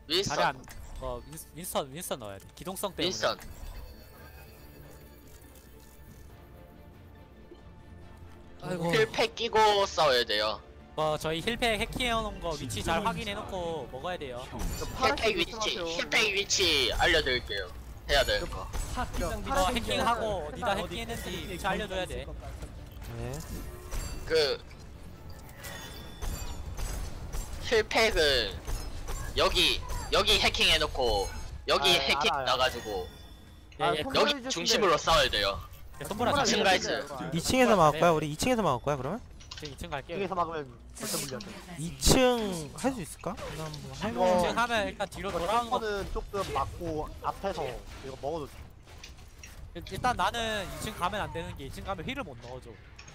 자리 윈스턴. 안 윈스턴 넣어야 돼. 기동성 때문에. 윈스턴. 아이고. 힐팩 끼고 싸워야 돼요. 저희 힐팩 해킹해놓은 거 위치 잘 확인해놓고 먹어야 돼요. 힐팩 위치 알려드릴게요. 해야 돼. 이거 해킹하고 어디다 해킹했는지 위치 알려줘야 돼. 네. 그 힐팩을 여기 해킹해놓고 여기 아, 해킹 알아요. 나가지고 아, 예, 손보라 여기 중심으로 싸워야 돼요. 손보라 손보라 지금 가야지. 2층에서 막을 거야? 우리 2층에서 막을 거야 그러면? 2층 갈게요. 여기서 막으면 절대 물려. 2층 할 수 있을까? 그냥 뭐 이거 2층 하면 일단 뒤로 돌아오는 거. 는 조금 막고 앞에서 이거 먹어도 일단 나는 2층 가면 안 되는 게 2층 가면 힐을 못 넣어줘.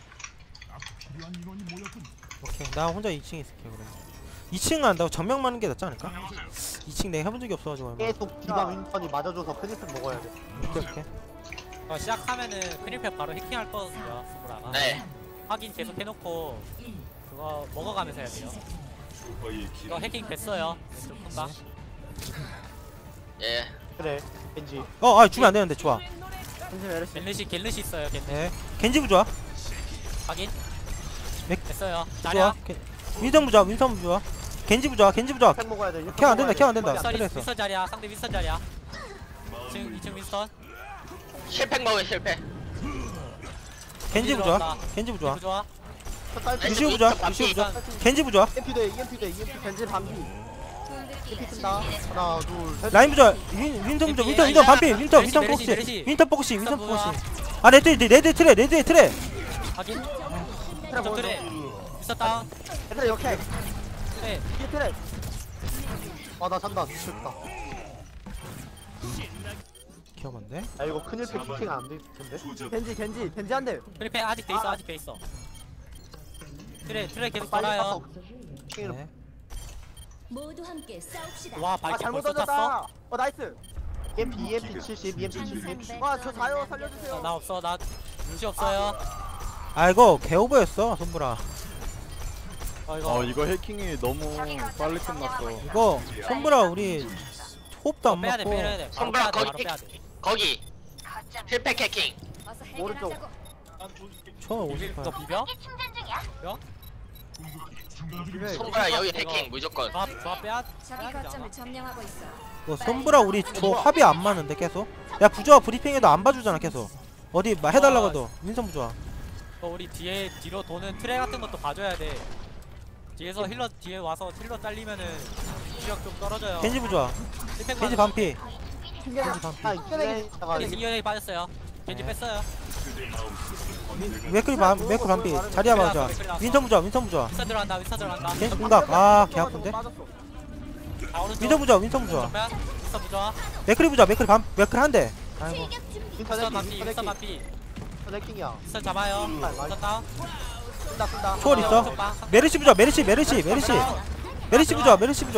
오케이 나 혼자 2층에 있을게 그래. 2층 간다고 정면 맞는 게 낫지 않을까? 2층 내가 해본 적이 없어가지고 얼마. 계속 디바 윈턴이 맞아줘서 크리스 먹어야 돼. 오케이 오케이. 시작하면은 크릴팩 바로 해킹할 거거든요. 손보라가. 네. 확인 계속 해놓고 그거 먹어가면서 해야 돼요. 이거 해킹 됐어요. 왼쪽 큰방. 예. 그래. 겐지. 주면 안 되는데 좋아. 겐지 메르시. 갤르시 있어요. 갤르시. 네. 겐지 부좋아. 확인. 맥- 됐어요. 좋아. 자리야. 윈선 부좋아. 윈선 부좋아. 겐지 부좋아. 겐지 부좋아. 팩 먹어야 돼. 케어 안 된다, 케어 안 된다. 윈스턴 그래서. 윈스턴 자리야. 상대 윈스턴 자리야. 2층 윈스턴. 힐팩 먹어 힐팩. 겐지 부좋아. 겐지 부좋아. 좋아. 루시오 부좋아. 루시오 부좋아. 겐지 부좋아. EMP 돼. EMP 겐지 반비. EMP 뜬다. 하나, 둘, 셋. 라인 부좋아. 윈선 부좋아. 윈선 반피. 윈선 메르시, 포커시. 메르시. 윈선 포커시. 윈선 윈스턴 포커시. 아 레드 트레. 확인. 트랩 좀 그래. 윈스턴 다운. 트랩 역해. 그래. 뒤에 트랩. 나 잔다. 미쳤다. 기억한데? 아 이거 큰일 팩 키팅 안돼 텐데. 겐지 한 대. 크릴팩 아직 돼 있어. 아직 돼 있어. 트레 계속 빨리 돌아요. 킹으로. 네. 모두 함께 싸웁시다. 와 아 발길 잘못 벌써 탔어? 던졌다. 나이스. EMP 70, EMP 70. 저 자요 살려주세요. 나 없어. 나 눈치 없어요. 아 이거 개오버였어 손브라. 이거 이거 해킹이 너무 빨리 끝났어. 이거 손브라 우리 호흡도 안 빼야 돼. 맞고. 빼야 돼. 바로 손가락 빼야 돼. 바로 거기. 빼야 돼. 거기 힐팩 해킹. 오른쪽. 저 58. 너 비벼? 손가락 여기 해킹 무조건. 조합 빼야 적이 되잖아. 거점을 점령하고 있어. 이거 손브라 우리 저 합이 안 맞는데 계속. 야 부조화 브리핑에도 안 봐주잖아 계속. 어디 막 해달라고 해도 윈선 부조화. 우리 뒤로 도는 트레 같은 것도 봐줘야 돼. 뒤에서 힐러 뒤에 와서 힐러 잘리면은 시력 좀 떨어져요. 겐지 부조화. 힐팩 겐지 맞아. 반피. 아 이게 겐지 이연이 빠졌어요. 겐지 네. 뺐어요. 맥클 반피. 자리야 맞아. 윈선 부조화. 윈스턴 들어간다. 윈스턴 들어간다. 겐지 공각. 개 아픈데. 아 오른쪽. 윈선 부조화. 정면. 윈스턴 부좋아. 맥클이 부조화. 맥클 한 대. 아이고. 윈스턴 반피. 윈스턴 반피. 레킹이야. 윈스턴 잡아요. 윈스턴 다운. 쓴다. 초월 있어. 메르시 부조화. 메르시 부조화.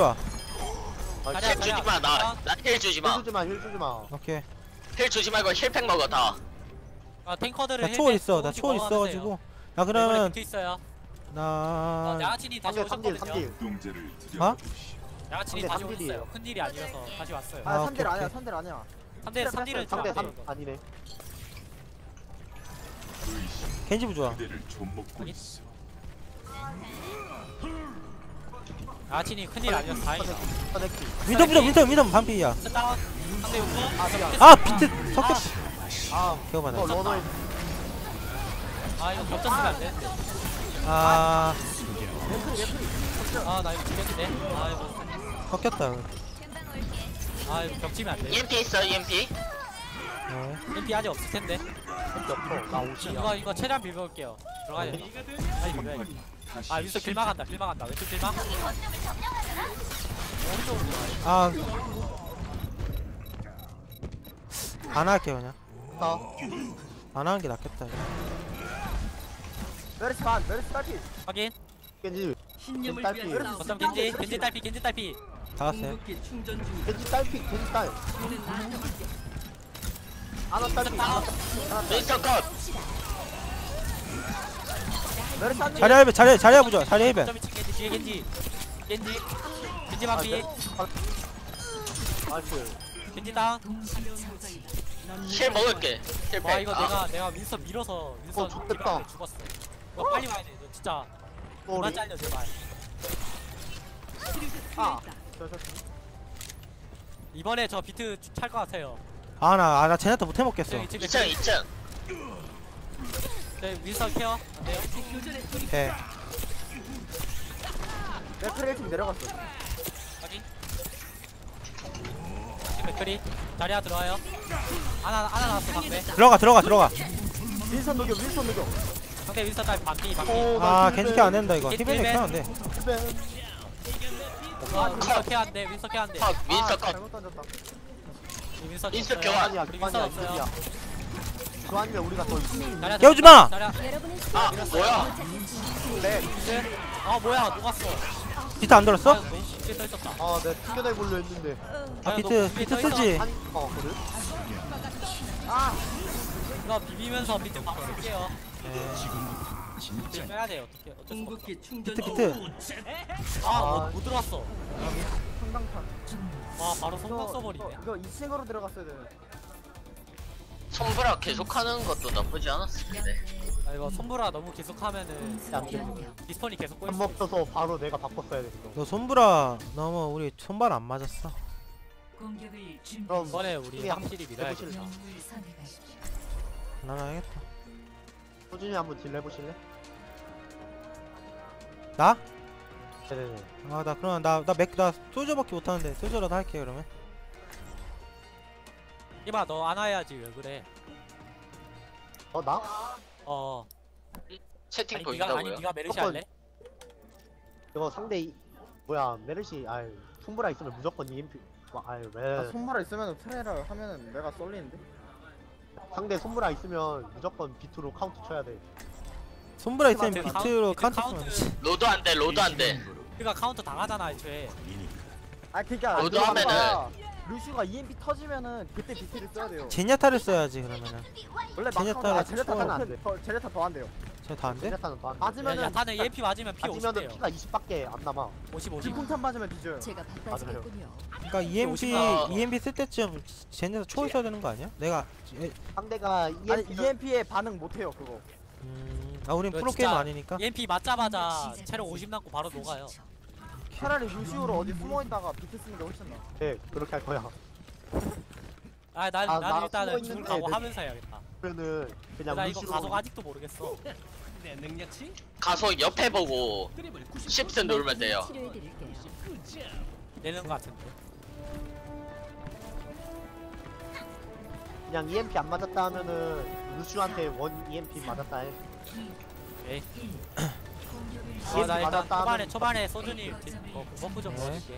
힐 주지 마. 나힐 주지 마. 힐 주지 마. 오케이. 힐 주지 말고 힐팩 먹어 다. 탱커들은 나 초월 있어. 나 초월 있어가지고. 야 그러면 붙어 있어요. 나 양아친이 다시 3딜. 오셨거든요. 어? 양아친이 상대 다시 3딜이에요. 오셨어요. 큰 일이 아니라서 다시 왔어요. 아, 3딜 오케이, 아니야. 오케이. 3딜 아니야. 3딜은 상대 좀 3 아니네. 겐지 부조화. 양아친이 큰 일 아니라서 다행이다. 윈선 반피야. 윈스턴 다운. 상대 용구. 아 비트 섞였. 개오바네. 러너에 이거 겹쳤으면 안 되는데. 아 나 이거 죽였는데. 이거 섞였다. 이거 겹치면 안 돼. EMP 있어 EMP. 네. MP 아직 없을 텐데. 나 오지. 이거 최대한 비벼볼게요. 들어가야 돼. 빨리 비벼야겠다. 윈스턴 길 막간다. 왼쪽 길 막. 오른쪽으로 들어가요. 아. 안 할게요 그냥. 안 하는 게 낫겠다. 메르시 딸피. 확인. 겐지 딸피. 거점 겐지 딸피. 다 왔어요. 겐지 딸피. 아나 딸피. 윈스턴 컷. 메르시 한 대. 자리야 부조화. 자리 해변. 거점 2층 겐지 뒤에 겐지 반피. 나이스. 겐지 다운. 힐 먹을게. 힐 와 백. 이거 내가 윈선 밀어서 윈선 좋겠다. 뒤로 죽었어. 이거 빨리 와야 돼. 너 진짜 그만 쏘리. 잘려 제발. 아. 이번에 저 비트 찰 것 같아요. 나 제네타 못 해먹겠어. 저기 지금 2층 2층. 저기 윈선 케어 안 돼요? 네. 내 트레이 좀 내려갔어. 확인. 맥크리 자리야 들어와요. 하나 나왔어 상대. 들어가. 윈선 녹여. 상대 윈선 딸 반피. 아 겐지 케어 안 된다 이거. 겐지 히벤이 힐벤. 케어 안 돼. 윈선 케어 안 돼. 윈선 케어 안 돼. 컷 윈서 컷. 잘못 던졌다. 윈선 윈선 없어요. 교환. 아니야. 우리 윈선 없어요. 그거 아니면 우리가 더 자리야 깨우지 마! 자리야. 여러분의 아 뭐야? 아 뭐야 녹았어. 비트 안 들었어? 너무 쉽게 떠있었다. 아, 내가 튕겨내보려 했는데. 아 비트 쓰지. 그래? 이거 비비면서 비트 바로 쓸게요. 비트 빼야 돼요. 어쩔 수 없어. 비트. 못 들어왔어. 성당판. 와 바로 성공 써버리네. 이거 2층으로 들어갔어야 되네. 손브라 계속하는 것도 나쁘지 않았을 텐데. 아 이거 손보라 너무 계속하면은 안 돼. 디스폰이 계속 꼬일 한 수 있어. 먹어서 바로 내가 바꿨어야 됐어. 너 손브라 너무 우리 손발 안 맞았어. 그럼 이번에 우리 우리 확실히 밀어야겠다. 해보실래? 나나 해야겠다. 소준이 한번 딜 해보실래? 나? 네네네. 나 그러면 나 소저밖에 못하는데 소저라도 할게 그러면. 이봐 너 안 와야지 왜 그래? 나? 채팅 아니 보인다고요? 네가 메르시 조건. 할래? 이거 상대 뭐야 메르시 손브라 있으면 무조건 EMP. 왜? 손마라 있으면 트레이를 하면은 내가 쏠리는데? 상대 손브라 있으면 무조건 비트로 카운트 쳐야 돼. 손브라 있으면 비트 비트로 카운트, 카운트 쓰면 로드 안 돼. 로드 안 돼. 그러니까 카운터 당하잖아 애초에. 그니까 로드 하면은 루슈가 EMP 터지면은 그때 BT를 써야 돼요. 제냐타를 써야지 그러면은. 원래 제네타가 막 제네타는 안 안 돼. 돼. 제네타 더 안 돼요. 저 다 안 돼? 제네타는 더안 돼. 맞으면은 야타는 EMP 맞으면 피 맞으면은 50대요. 피가 20밖에 안 남아. 50. 뒷궁탄 맞으면 뒤져요. 제가 맞아요. 바빠지겠군요. 그러니까 EMP 어. 쓸 때쯤 제냐타 초 있어야 되는 거 아니야? 내가 상대가 아니 EMP EMP에 반응 못해요 그거. 우린 이거 프로게이머 진짜 아니니까. EMP 맞자마자 체력 50 남고 바로 녹아요. 차라리 루시오로 어디 숨어 있다가 BT 쓰는 게 훨씬 나. 네 그렇게 할 거야. 난 나 일단은 숨어 죽을 있는데 각오 내- 하면서 해야겠다. 그러면은 그냥 나 이거 루시로 가속 아직도 모르겠어. 가서 옆에 보고 Shift 누르면 돼요. 치료해드릴게요. 내는 거 같은데. 그냥 EMP 안 맞았다 하면은 루시한테 원 EMP 맞았다 해. 오케이. EMP 나 일단 맞았다 초반에 소준이 버프 좀 네. 넣어줄게.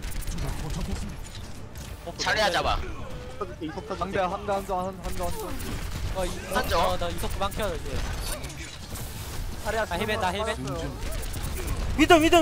버프 자리야 잡아. 터질게 이속 터질게. 한대 한점. 나 이속 그만 켜요 이제. 차리야 힐벤. 위덤. 이거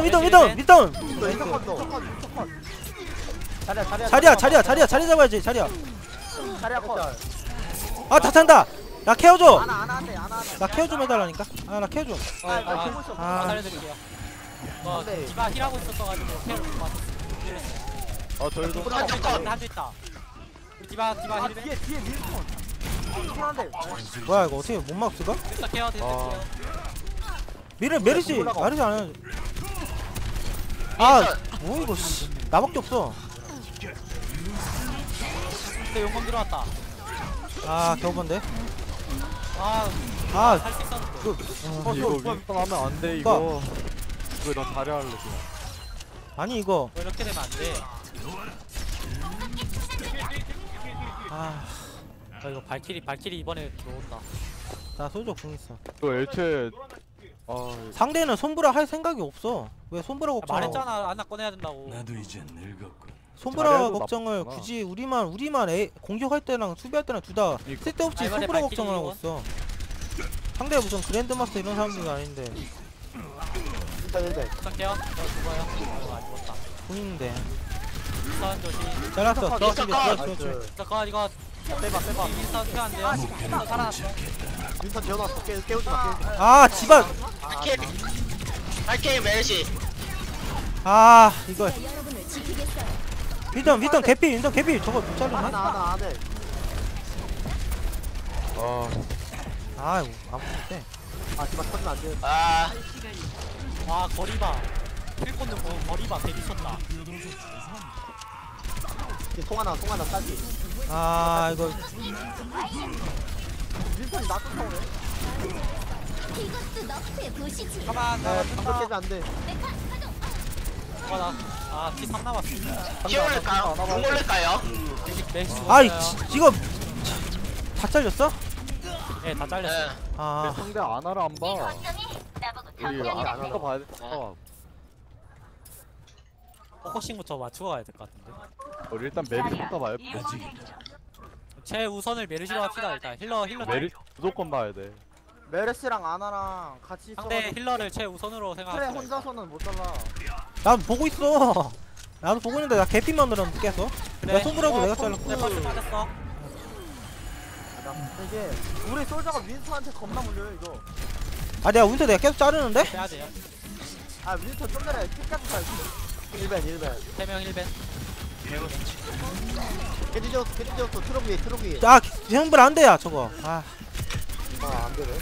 자리 잡아야지 자리야. 차리야 컷. 다 찬다. 나 케어줘. 안돼. 나 케어 좀 해달라니까. 나 케어 좀. 살려드릴게요. 네. 디바 힐하고 있었어가지고 케어를 못 받았어. 저희도 한쪽 컷. 한조 있다. 우리 디바 힐벤. 뒤에 윈스턴. 윈스턴한데. 뭐야 이거 어떻게 못 막스가? 됐어 케어. 메르시 안 하냐? 뭐 이거 씨. 나밖에 없어. 근데 용검 들어왔다. 겨우 본데. 할 수 있었는데. 이거 윈스턴 하면 안 돼 이거. 왜 나 다리 할래 그냥. 아니 이거. 왜 이렇게 되면 안 돼? 이거 발키리 이번에 들어온다. 나 소저 궁 있어. 이거 애초에 상대는 손브라 할 생각이 없어. 왜 손브라 걱정? 말했잖아 안나 꺼내야 된다고. 손브라 자리에도 걱정을 나쁘구나. 굳이 우리만 공격할 때랑 수비할 때랑 둘 다 그러니까. 쓸데없이 이번에 손브라 발키리 걱정을 하고 있어. 상대가 무슨 그랜드마스터 이런 사람들이 아닌데 힐벤. 부탁해요. 저 죽어요. 안 죽었다. 궁 있는데. 윈스턴 조심. 잘랐어. 잠깐 이거 빼봐. 윈스턴 켜안 돼요. 윈스턴 살아났어. 윈선 지어놨어. 깨우지 마. 집안. 할게 메르시. 이거 제가 여러분을 지키겠어요. 윈턴 개피 저거 못 자르네. 하나 안해. 아이고 아무 못해. 아 디바 터지면 안 돼. 아 와 거리 봐. 힐 꽂는 거 거리 봐. 개 미쳤다. 송하나 따지. 아 이거 윈턴이 나 쫓아오네. 이것도 너프에 보시지. 가만 방금 나. 깨지 안 돼. 피 3 남았어. 피 올릴까요? 공 올릴까요? 맥스 아이 죽었어요. 이거 다 잘렸어? 네, 다 잘렸어. 네. 아 상대 아나를 안 봐. 우리 아나가 봐야 돼. 포커싱부터 맞추고 가야 될 것 같은데. 우리 일단 메리부터 봐야 돼. 제 우선을 메르시로 합시다. 일단 힐러 메리 무조건 봐야 돼. 메르시랑 아나랑 같이 상대 있어가지고 힐러를 제 우선으로 그래 생각합시다. 혼자서는 못 잘라. 나도 보고 있어. 나도 보고 있는데 나 개피만 늘었는데 계속. 그래. 내가 손으로도 내가 잘랐고. 내 버스 맞았어. 이게 우리 솔저가 윈스한테 겁나 물려요 이거. 아 내가 계속 자르는데? 빼야 돼요. 아 윈스 좀 전에 끝까지 잘. 1벤 3명 1벤. 깨지 지었어 트럭 위에. 아 형들 안 돼야 저거. 아 안 되네.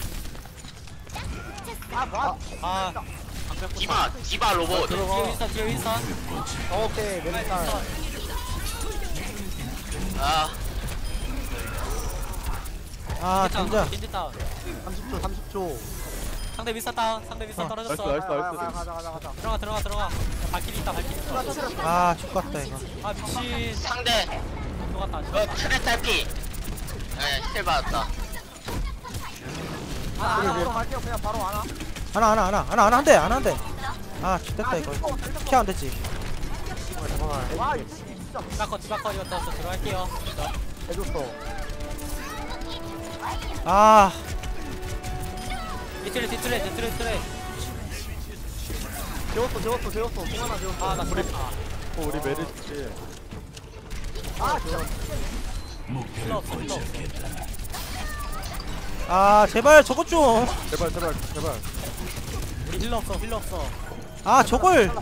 아 뭐야? 아. 디바 로봇. 뒤에 윈선. 오케이 메리카. 아 진짜. 겐지 다운. 30초. 상대 윈선 다운. 상대 윈선 떨어졌어. 나이스. 가자. 들어가. 발키리 있다. 아 죽겠다 이거. 아 미친. 상대 들어갔다. 트레 탈피. 힐 받았다. 바로 갈게요. 그냥 바로 와나. 하나 한 대. 아 죽겠다 이거. 키 안 됐지. 와 이거 진짜. 디바커 이거 떴어. 들어갈게요. 해줬어. 아 뒤틀에. 재웠어. 송하나 재웠어. 아나 그랬다. 우리 메리지. 아 진짜. 힐러 없어. 아 제발 저것 좀. 제발. 우리 힐러 없어. 아 저걸.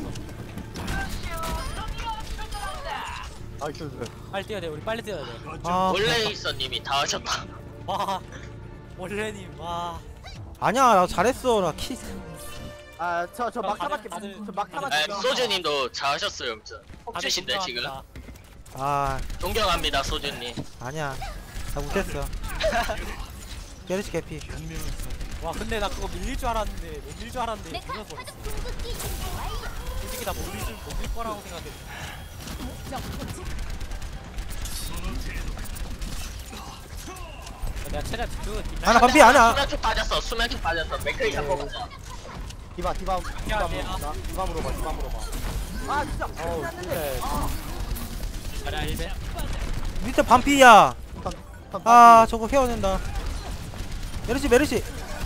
나이스. 빨리 뛰어야 돼. 우리 빨리 뛰어야 돼. 아 원레이서님이 다 하셨다. 와. 원래님 와. 아니야 나 잘했어 나 키. 아저 막타밖에 다들- 저 막타밖에. 소주님도 잘 하셨어요. 아무튼 혹주신데 지금. 아 존경합니다 소주님. 아니야 나 못했어. 게르시 개피. 와 근데 나 그거 밀릴 줄 알았는데 못 밀릴 줄 알았는데 메카 밀어버렸어. 가족 궁극기 준비 완료. 솔직히 나 못 밀 거라고 생각했어. 내가 최대한 그 하나 반피 아니야. 수면쪽 빠졌어. 맥크리 잡고 가자. 디바 미안해요. 물어봐. 아 진짜. 했는데. 자리야 1배. 밑에 반피야. 아 저거 헤어낸다. 메르시.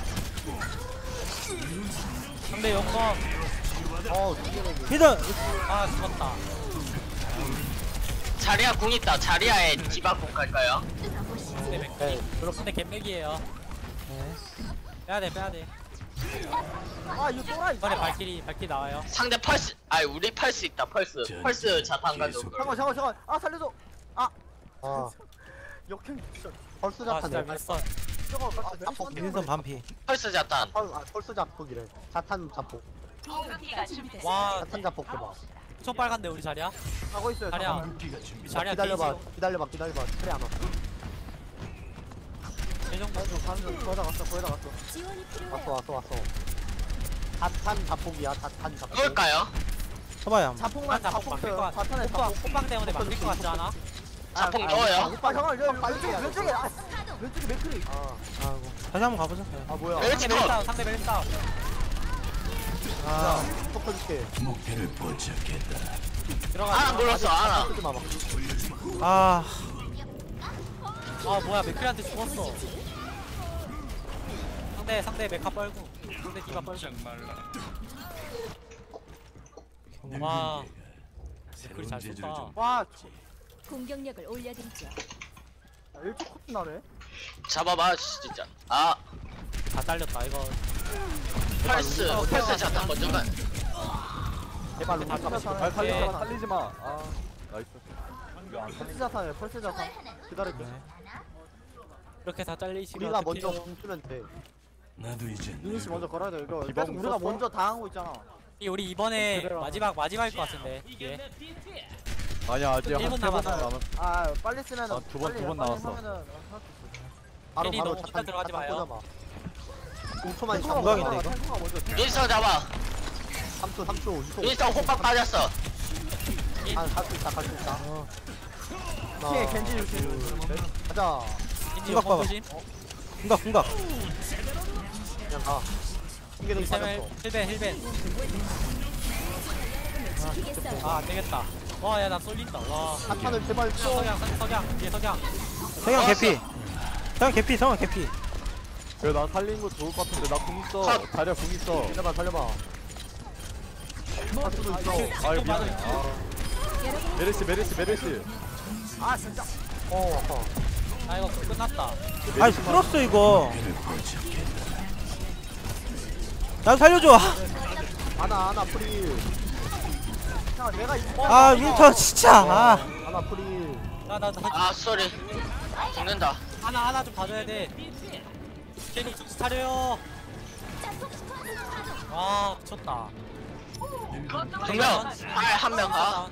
상대 용검. 일단 아 죽었다. 자리야 궁 있다. 자리야에 디바 궁 갈까요? 상대 맥. 상대 갯맥이에요. 빼야돼. 아 이거 또라이. 이번에 발키리 나와요. 상대 펄스. 우리 펄스 있다. 펄스 자탄 가지고. 잠깐. 아 살려줘. 아 역행 진짜. 펄스 아 진짜 자탄. 윈선. 저거 민선 반피. 펄스 자탄. 펄스 자폭이래. 자탄 자폭. 와 자탄 자폭 해봐. 엄청 빨간데 우리 자리야. 가고 있어요. 자리야. 잠깐만. 우리 자리야 기다려봐. 그래 안 와. 이 정도. 거기다 갔어. 지원이 필요해요. 왔어. 자탄 자폭이야. 자탄 자폭. 누굴까요? 쳐봐야. 자폭만 자폭 자폭 막힐 것 써요. 같아. 자탄에 자폭. 호빵 때문에 막힐 것 같지 않아? 자폭 넣어요. 오빠 형아 왼쪽에 왼쪽에 맥크리. 아이고 다시 한번 가보자. 아 뭐야? 멜치 상대 컷. 멜다운. 상대 멜다운. 아 톡 터줄게. 들어가. 아나 눌렀어. 아나. 쓰지 마봐. 아. 아 뭐야 맥크리한테 죽었어. 상대 메카 뻘고. 상대 디바 뻘고. 와. 맥크리 잘 쏜다. 와 공격력을 올려드리죠. 1초 코트 나네. 잡아봐 진짜. 아 다 잘렸다 이거. 펄스 자탄 먼저 가. 제발 다 루카. 잡았어. 살리지 마. 나이스. 펄스 자탄이야 펄스 자탄 기다릴게. 네. 이렇게 다 잘리시면 우리가 어떡해요? 먼저 공수면 돼. 유닛이 먼저 걸어야 돼 이거. 기본 계속 우리가 썼어? 먼저 당하고 있잖아. 우리 이번에 그래라. 마지막일 것 같은데 이게 아니야 아직 한 1분 3번 남았어요. 남았. 아 빨리 쓰면 아, 두 번 나왔어. 바로 괜히 바로 너무 혼자 들어가지 마요. 5초만 감각인데, 이거? 윈스턴 잡아 3초 3초 2초. 윈스턴 호박 빠졌어 갈수 있다 갈 수 있다. 뒤에 겐지 유시. 가자. 인지 생각 봐봐. 조심. 궁각. 그냥 가. 신기록이 빠졌어. 힐벤 지키겠어요. 아 안되겠다. 와야 나 쏠린다. 와 사탄을 제발 쳐. 석양 뒤에 석양. 성형 개피. 성형 개피. 그래 나 살린 거 좋을 것 같은데 나 궁 있어. 다리야 궁 있어. 살려봐. 사투도 있어. 아 미안해. 아. 메르시. 아 진짜. 아파. 아 이거 끝났다. 아이 끌었어 이거. 나 살려줘. 아나 프리. 야 내가 아 윈터 진짜. 아. 아나 프리. 나나 아 쏘리 죽는다 하나 좀 봐줘야 돼. 괜히 정신 차려요. 아 미쳤다. 두명 한명 가.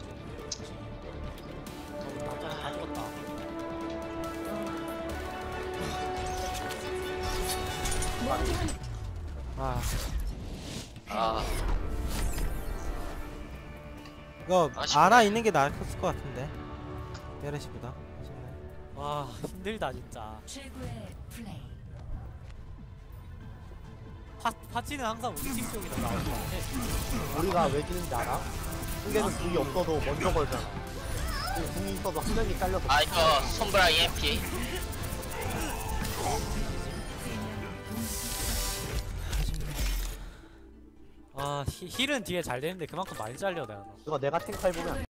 다 죽었다. 아 아 이거 아쉽네. 아나 있는 게 나을 것 같은데. 메르시보다. 아쉽네. 와 힘들다 진짜. 최고의 플레이. 파치는 항상 우리 팀 쪽이 더 나올 것 같아. 우리가 왜 지는지 알아? 승계는 궁이 없어도 먼저 걸잖아. 궁이 있어도 한 명이 잘려서. 아 이거 손브라 EMP 아 힐은 뒤에 잘 되는데 그만큼 많이 잘려 내가. 이거 내가 탱크 해보면